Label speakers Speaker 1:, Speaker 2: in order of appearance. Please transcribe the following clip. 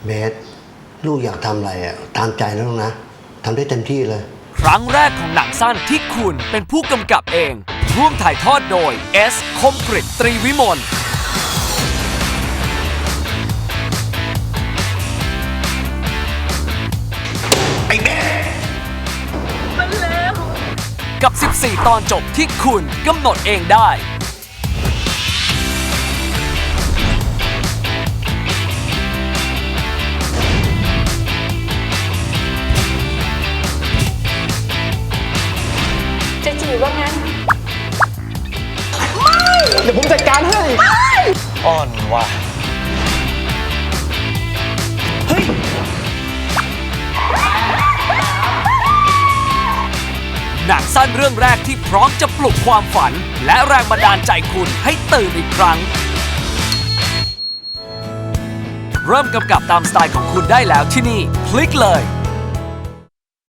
Speaker 1: เบสลูกอยากทำอะไรตามใจแล้วนะทำได้เต็มที่เลย
Speaker 2: ครั้งแรกของหนังสั้นที่คุณเป็นผู้กำกับเอง ร่วมถ่ายทอดโดย S คมกฤษ ตรีวิมล
Speaker 1: ไอ้เบส
Speaker 2: มันแล้วกับ 14 ตอนจบที่คุณกำหนดเองได้
Speaker 3: จะจีบว่างั้น
Speaker 4: เดี๋ยวผมจัดการให้อ่อนว่ะ
Speaker 2: หนังสั้นเรื่องแรกที่พร้อมจะปลุกความฝัน และแรงบันดาลใจคุณให้ตื่นอีกครั้ง เริ่มกำกับตามสไตล์ของคุณได้แล้วที่นี่ คลิกเลย